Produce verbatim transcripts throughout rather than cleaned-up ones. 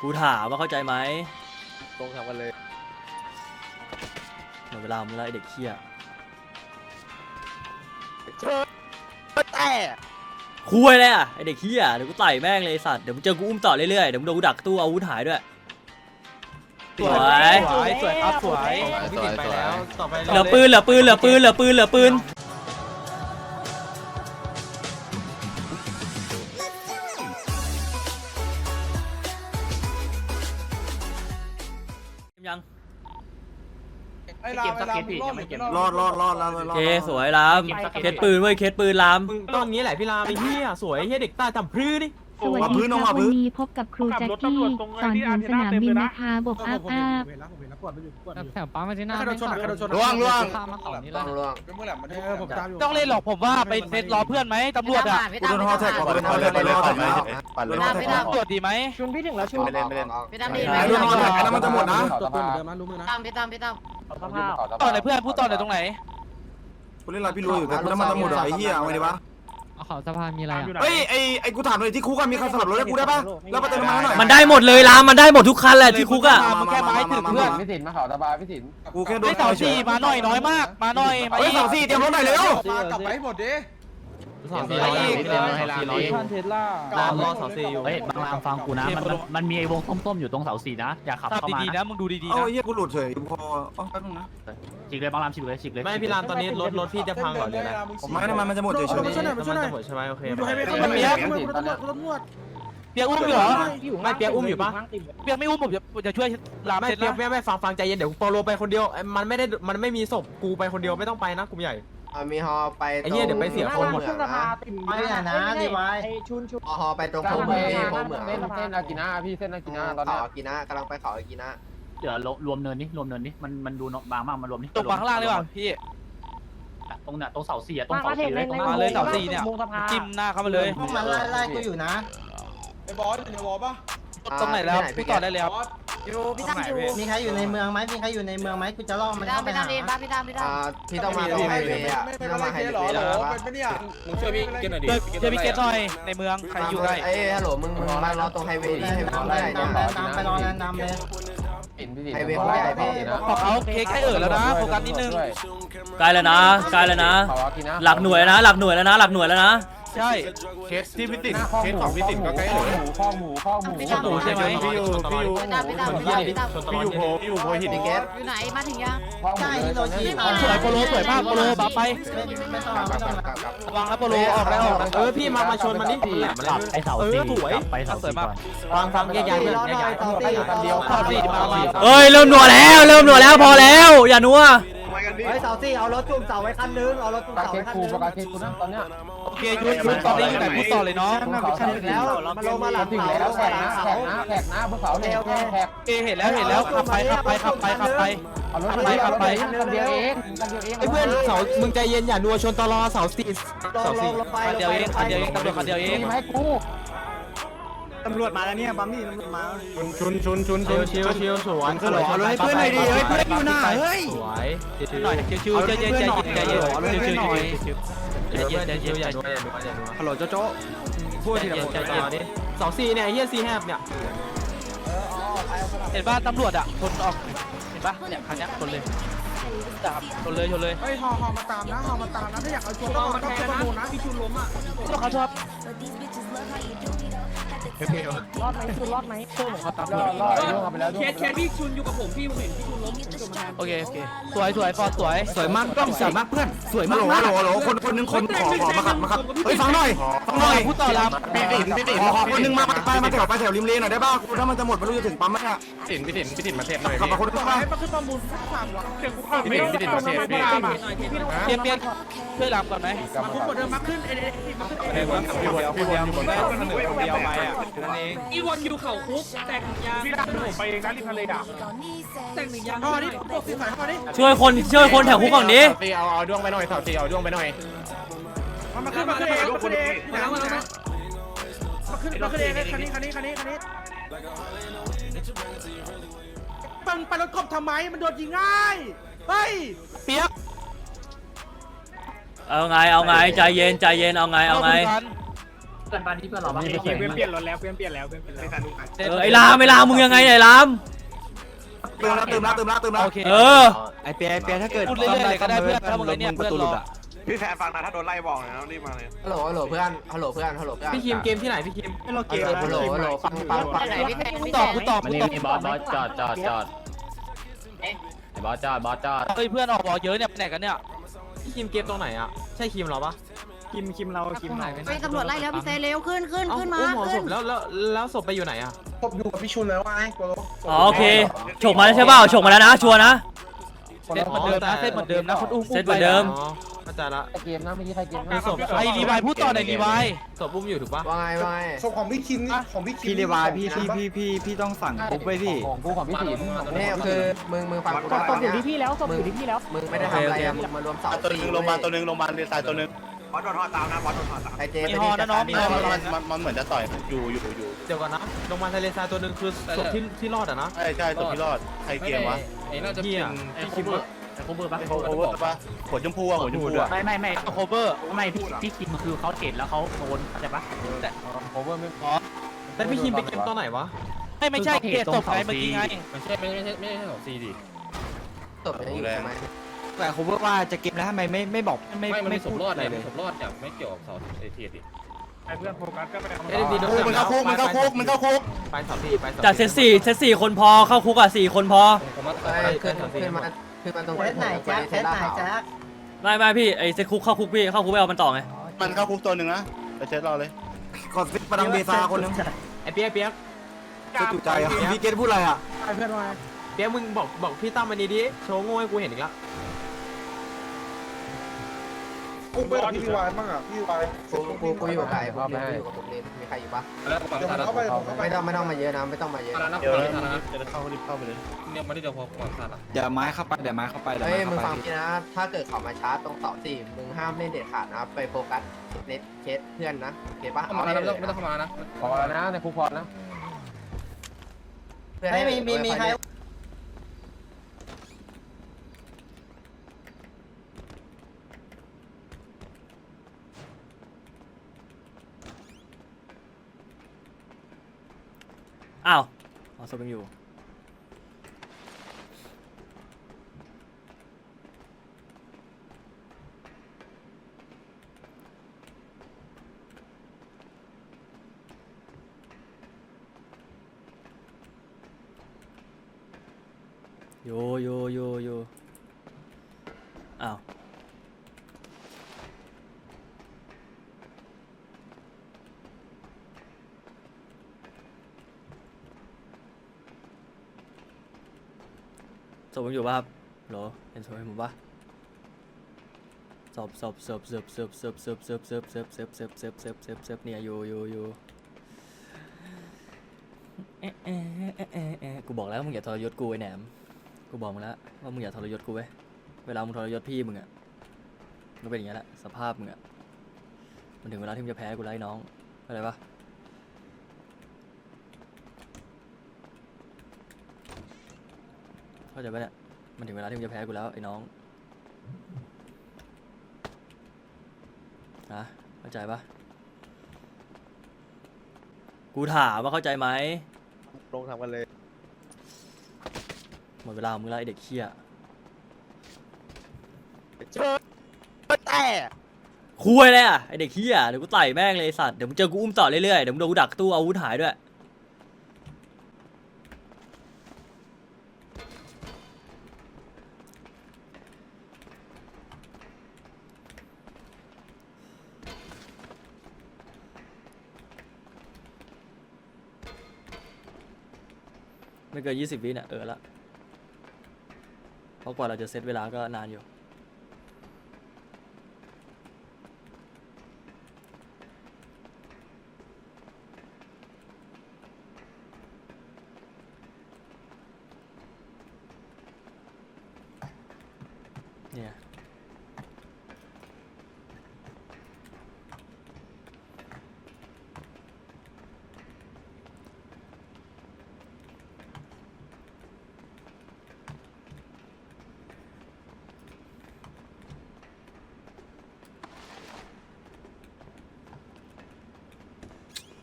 กูถามว่าเข้าใจไหมตรงทำกันเลยหมดเวลามึงแล้วไอเด็กเหี้ยแต่คุยเลยอ่ะไอเด็กเหี้ยเดี๋ยวกูไต่แม่งเลยสัตว์เดี๋ยวมึงเจอกูอุ้มต่อเรื่อยๆเดี๋ยวมึงโดนกูดักตู้อาวุธหายด้วยสวยสวยสวยครับสวยพี่ติดไปแล้วต่อไปเหลือปืนเหลือปืนเหลือปืนเหลือปืนเหลือปืนยังไอ้ลามไอ้ลามรอดหรือไม่รอดรอดรอดรอดรอดรอดเคสวยลามเคสปืนเว้ยเคสปืนลามมึงต้องงี้แหละพี่ลาไอ้เหี้ยสวยเหี้ยเด็กใต้ทำพรื้ดิสวัสดีครับวันนี้พบกับครูแจ็คกี้สอนถึงสนามบินนะคะบวกอัพอัพเห็นแล้วผมเห็นแล้วปวดไปอยู่ปวดแถวปั๊มมาที่หน้าใครโดนชนใครโดนชนล่วงล่วงข้ามมาเขานี่แล้วล่วงเป็นเมื่อไหร่มันเออผมตามอยู่ต้องเล่นหรอกผมว่าไปเซตรอเพื่อนไหมตำรวจอ่ะกูโดนฮอแท็กก่อนกูโดนฮอแท็กไปเลยปั่นเลยปั่นเลยตำรวจดีไหมชุนพี่ถึงแล้วชุนไม่เล่นไม่เล่นพี่ตั้มดีไอ้โดนฮอแท็กนั้นมันจะหมดนะตัวปืนเหมือนเดิมนะรู้มือนะตั้มพี่ตั้มพี่ตั้มสภาพต่อไหนเพื่อนพูดต่อไหนตรงไหนกูเล่นอะไรพี่รู้อยู่แต่กูน้ำมันจะหมดไอ้เหี้ยเอาไงดีวะเอาเขาสะพานมีอะไรอ่ะเฮ้ยไอ้ไอ้กูถามเลยที่คุกมีใครสลับรถให้กูได้ปะแล้วมาเติมน้ำมันหน่อยมันได้หมดเลยลามมันได้หมดทุกคันแหละที่คุกอ่ะมันแค่ไม้ถึงเพื่อนพี่สินมาเขาตาบาพี่สินกูแค่โดนไอ้เสาสี่มาหน่อยน้อยมากมาหน่อยมาเฮ้ยอีกเสาสี่เตรียมรถหน่อยเร็วมากลับไปให้หมดดิสองสี่ร้อยอีกท่านเทสลารอรอเสาสี่อยู่เฮ้ยบางรามฟังกูนะมันมันมันมีไอ้วงส้มๆอยู่ตรงเสาสี่นะอย่าขับตัดเข้ามาดีๆนะนะมึงดูดีๆเอ้านะเหี้ยกูหลุดเฉยพออ๋อแป๊บนึงนะฉีกเลยบางรามฉีกเลยฉีกเลยไม่พี่ลานตอนนี้รถรถพี่จะพังก่อนเลยนะผมไม่น้ำมันมันจะหมดเฉยมาช่วยหน่อยมาช่วยหน่อยใช่ไหมโอเคดูให้ไม่เข้ามาเลยกูตำรวจกูตำรวจเปียกอุ้มอยู่เหรอไม่เปียกอุ้มอยู่ปะเปียกไม่อุ้มผมจะจะช่วยลามไม่เสร็จเปียแล้กวไม่ไม่ฟังฟังใจเย็นเดี๋ยวโปโลไปคนเดียวมันไม่ได้มันไม่มีศพกูไปคนเดียวไม่ต้องไปนะกลุ่มใหญ่มีฮอไปไอ้เหี้ยเดี๋ยวไปเสียคนหมดขึ้นสภาติ่มไอ้ชุนชุนฮอไปตรงโค้งเหมืองโค้งเหมืองเส้นเส้นอากินะพี่เส้นอากินะตอนนี้อากินะกำลังไปเขาอากินะเดี๋ยวรวมเนินนี่รวมเนินนี่มันมันดูบางมากมันรวมนี่ตกมาข้างล่างเลยว่ะพี่ตรงเนี้ยตรงเสาสี่อะตรงมาเสาเห็สี่นเลในยตรงในมาเลยเสาสี่เนี่ยวงสภาจิ้มหน้าเข้ามาเลยมันไล่ไล่กูอยู่นะไอ้บอสอยู่ในวอลปะตรงไหนแล้วพูดต่อได้เลยครับอยู่พี่ตั้มอยู่มีใครอยู่ในเมืองไหมมีใครอยู่ในเมืองไหมกูจะล่อมันพี่ตั้มเข้าไปพี่ตั้หามพี่ตั้มพี่ตั้มพี่ตั้มพี่ต้องมาตรงไฮเวย์อ่ะไม่พี่ไม่ต้องไม่มาไฮเกเวหรอย์หรแล้วอเป็นปะเนี่ยมึงช่วยพี่เกณฑ์หน่อยดิเจอพี่เกตหน่อยในเมืองใครอยู่ใกล้เอ้ฮัลโหลมึงมึงมารอตรงไฮเวย์ดิไฮเวย์ตามเขาไปใหญ่ตามไปเนี่ยตามไปรอแลนด์นำเลยไฮเวย์เขาใหญ่พี่บอกเขาเคใกล้เอ่อแล้วนะโฟกัสนิดนึงใกล้แล้วนะใกล้แล้วนะ หลักหน่วยนะหลักหน่วยแล้วนะหลักหน่วยแล้วนะใช่เคสที่พี่ติดเคสของพี่ติดก็ใกล้เลยข้อหมูพี่ตั้มหมูใช่ไหมพี่อยู่พี่อยู่พี่ตั้มพี่ตั้มพี่ตั้มพี่ตั้มพี่อยู่โพพี่อยู่โพหินเคสอยู่ไหนมาถึงยังใช่ฮิโรชิสวยโปโลสวยมากโปโลบัฟไปไม่ไม่ต้องไม่ต้องระวังนะโปโลออกแล้วออกแล้วเออพี่มามาชนมันนี่มันหลับมันหกลัลับบไอ้เสาสี่กลับไปเสาสี่ก่อนฟังฟังแยกย้ายเพื่อนแยกย้ายต่อตีต่อตีข้อสี่มามาเอ้ยเริ่มหนัวแล้วเริ่มหนัวแล้วพอแล้วอย่านัวเฮ้ยเสาตีเอารถจุ่มเสาไว้คันนึงเอารถจุ่มเสาไว้คันนึงโอเคยุดยุดตอนนี้อยู่ไหนพูดต่อเลยน้องแล้วมาลงมาหลังเสาแล้วแขกนะแขกนะแขกนะบนเสาเร็วแขกเอเห็นแล้วเห็นแล้วขับไปขับไปขับไปขับไปขับไปขับไปคันเดียวเองไอ้เพื่อนเสามึงใจเย็นอย่านัวชนตลอเสาสี่ลงลงลงไปคันเดียวเองคันเดียวเองตำรวจคันเดียวเองตำรวจมาแล้วเนี่ยบัมมี่ตำรวจมาชุนชุนชุนชิวชิวชิวสวนเอารถให้เพื่อนหน่อยดิเฮ้ยเพื่อนอยู่ไหนเฮ้ยสวยหน่อยชิวๆใจเย็นใจเย็นใจเย็นชิวๆใจเย็นใจเย็นใจเย็นอย่านัวอย่านัวอย่านัวฮัลโหลโจโจ้พูดทีละคนใจเย็นดิเสาสี่เนี่ยเฮียซีแฮบเนี่ยเห็นป่ะตำรวจอ่ะชนออกเห็นป่ะเนี่ยคันนี้ชนเลยชนเลยชนเลยเฮ้ยฮอฮอมาตามนะฮอมาตามนะถ้าอยากเอาชนต้องต้องประมูลนะพี่ชุนล้มอ่ะก็เขาชอบรอดไหมชุนรอดไหมเขาตามรอดรอดล่วงไปแล้วเคสเคสพี่ชุนอยู่กับผมพี่ผมเห็นพี่ชุนล้มผมมาแทนโอเคโอเคสวยสวยฟอร์สวยสวยมากต้องสวยมากเพื่อนสวยมากฮัลโหลฮัลโหลคนคนนึงคนขอขอมาขับมาขับเฮ้ยฟังหน่อยฟังหน่อยพูดต่อลพี่ติ๋มพี่ติ๋มขอคนนึงมาไปมาแถวไปแถวริมเลนหน่อยได้ป่ะถ้ามันจะหมดไม่รู้จะถึงปั๊มไหมอ่ะติ๋มพี่ติ๋มพี่ติ๋มมาเทปหน่อยขับมาคนนึงต่อมาให้มาขึ้นประมูลสักสามวันเดี๋ยวกูเข้าพี่ติ๋มพี่ติ๋มมาเทปพี่เปลี่ยนเปลี่ยนช่วยลามก่อนไหมมาคุ้มกว่าเดิมมาขึ้นเอ็นเอ็นมาขึ้นเอ็นพี่วนพี่วนอยู่บนได้คนหนึ่งคนเดียวไปอ่ะนั่นเองอีวันอยู่เข่าคุกแต่งยางพี่ดักผมไปเองนะริมทะเลอ่ะแต่งหนึ่งยางฮอนี่พวกสีสายฮอนี่ช่วยคนช่วยคนแถวคุกก่อนดิตีเอาเอาด้วงไปหน่อยสาวตีเอาด้วงไปหน่อยมามาขึ้นมาขึ้นเองมาขึ้นเองมาแล้วมาแล้วมาขึ้นมาขึ้นเองคันนี้คันนี้คันนี้คันนี้ปังไปรถกบทำไมมันโดนยิงง่ายเฮ้ยเปียกเอาไงเอาไงใจเย็นใจเย็นเอาไงเอาไงพื่อนบ้านที่เพื่อนเราบ้างเปลี่ยนเปลี่ยนรถแล้วเปลี่ยนเปลี่ยนแล้วเปลี่ยนเปลี่ยนแล้วเออไอ้รามไอ้รามมึงยังไงเนี่ยไอ้รามเติมแล้วเติมแล้วเติมแล้วเติมแล้วโอเคเออไอเปียไอเปียถ้าเกิดพูดเรื่อยๆเลยก็ได้เพื่อนถ้ามึงไอ้เนี่ยเพื่อนรอพี่แฟนฟังนะถ้าโดนไล่บอกนะรีบมาเลยฮัลโหลฮัลโหลเพื่อนฮัลโหลเพื่อนฮัลโหลเพื่อนพี่คิมเกมที่ไหนพี่คิมให้เราเกมฮัลโหลฮัลโหลฟังฟังฟังไหนพี่แทนกูพี่ตแทอบนกูตอบมันกูนี่ตอบมีบอสบอสจอดจอดจอดบอสจอดบอสจอดเฮ้ยเพื่อนออกบอกเยอะเนี่ยไปไหนกันเนี่ยพี่คิมเกมตรงไหนอ่ะใช่คิมเราปะคิมคิมเราคิมหายไปไปตำรวจไล่แล้วพี่เซเร็วขึ้นขึ้นเอ้าขึ้นมาอุ้มหมอศขึ้นพแล้วแล้วแล้วศพไปอยู่ไหนอ่ะผมอยู่กับพี่ชุนแล้วไงโกโลอ๋อโอเคฉกมาแล้วใช่เปล่าฉกมาแล้วนะชัวร์นะเซตเหมือนเดิมนะเซตเหมือนเดิมนะคนอุ้มเซตเหมือนเดิมอ๋อเข้าใจละเกมนะเมื่อกี้ใครเกมมีศพไอ้รีไวพูดต่อหน่อยรีไวศพอุ้มอยู่ถูกปะว่าไงว่าไงศพของพี่คิมนี่ของพี่คิมพี่เรวายพี่พี่พี่พี่พี่ต้องสั่งปุ๊บไว้พี่ของกูของพี่ติ๋มนี่คือมึงมึงฟังกูนะตอนเนี้ยที่พี่แล้วศพอยู่ที่พี่แล้วมึงไม่ได้ทำอะไรอะมึงมารวมเสาตัวนึงโรงพยาบาลตัวนึงโรงพยาบาลเรียนสายตัวนึงบอสโดนทอดตามนะบอสโดนทอดตามไอเจมีฮอนะน้องมีฮอมันมันมันเหมือนจะต่อยอยู่อยู่อยู่เดี๋ยวก่อนนะโรงพยาบาลทะเลทรายตัวหนึ่งคือศพที่ที่รอดอ่ะนะใช่ใช่ตัวพี่รอดใครเกมวะเฮียไอ้โคเวอร์ไอ้โคเวอร์ปะโอเวอร์ปะหัวชมพูอ่ะหัวชมพูอ่ะไม่ไม่ไม่โคเวอร์ไม่พี่พี่คิมคือเขาเจ็ดแล้วเขาโดนเข้าใจปะโอเวอร์ไม่พอแต่พี่คิมไปเกมตอนไหนวะไม่ไม่ใช่เกตศพไงเมื่อกี้ไงไม่ใช่ไม่ใช่ไม่ใช่ของซีดิตบยังอยู่ใช่ไหมแต่ผมว่าจะเกมแล้วทำไมไม่ไม่บอกไม่ไม่พูดอะไรเลยผมรอดจากไม่เกี่ยวกับเสาเอทีดิไอ้เพื่อนโฟกัสก็ไปทำเอ้ยดีมันเข้าคุกมันเข้าคุกมันเข้าคุกไปสอบพี่ไปสอบจากเซตสี่เซตสี่คนพอเข้าคุกอ่ะสี่คนพอผมว่าเอ้ยขึ้นขึ้นมาขึ้นมาตรงไหนแจ๊คแจ๊คไหนแจ๊คไม่ไม่พี่ไอ้เซตคุกเข้าคุกพี่เข้าคุกไปเอามันต่อไงมันเข้าคุกตัวหนึ่งนะไปเช็ดรอเลยกดฟิตประดังเบซาคนนึงไอเปียกเปียกจะจุใจอ่ะพี่เกตพูดอะไรอ่ะไอ้เพื่อนว่าเปียกมึงบอกบอกพี่ตั้มมันนี้ดิโชว์โง่ให้กูเห็นอีกแล้วกูไปกับพี่วายบ้างอ่ะพี่วายกูกูกูอยู่กับใครกูอยู่กับผมเล่นมีใครอยู่ปะแล้วผมเข้าไปผมเข้าไปไม่ต้องไม่ต้องมาเยอะนะไม่ต้องมาเยอะเดี๋ยวจะเข้ารีบเข้าไปเลยเนี่ยมาที่เดียวพอก่อนสัตว์อ่ะเดี๋ยวไม้เข้าไปเดี๋ยวไม้เข้าไปเฮ้ยมึงฟังพี่นะถ้าเกิดเขามาชาร์จตรงเสาสี่มึงห้ามเล่นเด็ดขาดนะไปโฟกัสเน็ตเคสเพื่อนนะโอเคปะเข้ามาแล้วไม่ต้องเข้ามานะพอแล้วนะในคุกพอนะไม่มีมีมีใครอ้าวเอาศพยังอยู่โยโยโยโยอ้าวศพยังอยู่ป่ะครับโหรอเห็นศพให้ผมป่ะศพศพศพศพศพศพศพศพศพศพศพศพศพศพศพศพเนี่ยอยู่อยู่อยู่เอ๊ะเอ๊ะเอ๊ะเอ๊ะเอ๊ะกูบอกแล้วมึงอย่าทรยศกูไอ้แหนมกูบอกมึงแล้วว่ามึงอย่าทรยศกูเว้ยเวลามึงทรยศพี่มึงอ่ะมันเป็นอย่างนี้แหละสภาพมึงอ่ะมันถึงเวลาที่มึงจะแพ้กูไล่น้องเข้าใจปะเข้าใจปะเนี่ยมันถึงเวลาที่มึงจะแพ้กูแล้วไอ้น้องนะเข้าใจปะกูถามว่าเข้าใจไหมลงทำกันเลยหมดเวลาของมึงแล้วไอเด็กเขี้ยแต่คุยเลยอ่ะไอเด็กเขี้ยเดี๋ยวกูไต่แม่งเลยไอ้สัตว์เดี๋ยวมึงเจอกูอุ้มต่อเรื่อยๆเดี๋ยวมึงโดนกูดักตู้อาวุธหายด้วยไม่เกินยี่สิบวิเนี่ยเออละเพราะกว่าเราจะเซตเวลาก็นานอยู่เนี่ย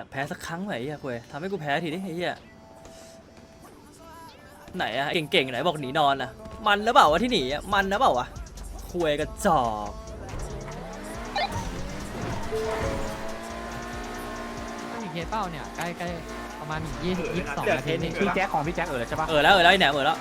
ากแพ้สักครั้งไหมไอ้เหี้ยคุยทำให้กูแพ้ทีดิไอ้เหี้ยไหนอะเก่งๆไหนบอกหนีนอนอะมันหรือเปล่าวะที่หนีอะมันหรือเปล่าวะคุยกระจอกมีเคสเป้าเนี่ยใกล้ใกล้ประมาณยี่สิบยี่สิบสองนาทีนี่พี่แจ็คของพี่แจ็คเออแล้วใช่ปะเออแล้วเออแล้วไอ้แหนมเออแล้ว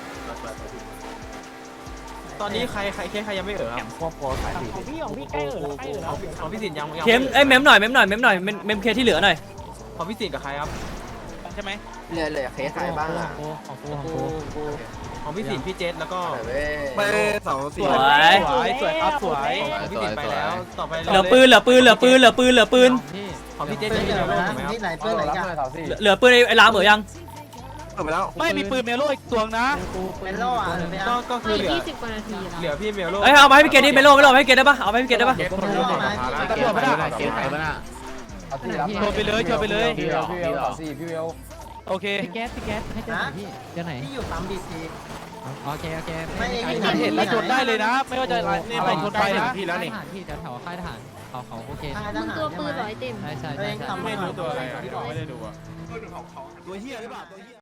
ตอนนี้ใครใครเคสใครยังไม่เอ่อคแหนรับมควบโปรสายสี่ของพี่ของพี่ใกล้เออใกล้เออของของพี่สินยังยังเข็มเอ้ยเมมหน่อยเมมหน่อยเมมหน่อยเมมเมมเคที่เหลือหน่อยของพี่สินกับใครครับใช่ไหมเหลือเหลือเคสใครบ้างอ่ะของกูของกูของพี่สินพี่เจษแล้วก็เว้ยไปเสาสสี่วยสวยสวยครับสวยของพี่สินไปแล้วต่อไปเหลือปืนเหลือปืนเหลือปืนเหลือปืนเหลือปืนที่ของพี่เจษจะมีเมลโล่ถูกไหมครับที่ไหนเพื่อนไหนกันเหลือเหลือปืนไอ้ไอ้ลามเหมือยังเปิดไปแล้วไม่มีปืนเมลโล่อีกตัวนะเป็นโล่อะก็ก็คือเหลือยี่สิบกว่านาทีแล้วเหลือพี่เมลโล่เอ้ยเอามาให้พี่เกดดิเมโลไม่โลให้พี่เกดได้ปะเอาไปให้พี่เกดได้ปะตำรวจไม่ได้เกมไหนบ้างอ่ะชวนไปเลยชวนไปเลยพี่เวลพี่เวลสี่พี่เวลโอเคพี่แก๊สพี่แก๊สให้เจอไหนพี่เจอไหนที่อยู่ปั๊มดีซีโอเคโอเคไม่ได้มันเห็นแล้วชนได้เลยนะ ไม่ว่าจะอะไรชนไปนะพี่แล้วนี่ทหารพี่แถวค่ายทหารเขาเขาโอเคมึงตัวปืนร้อยเต็มใช่ใช่ตัวใช่เองใช่ทำไม่รู้ตัวอะไรที่บอกตัวเฮียหรือเปล่าตัวเฮีย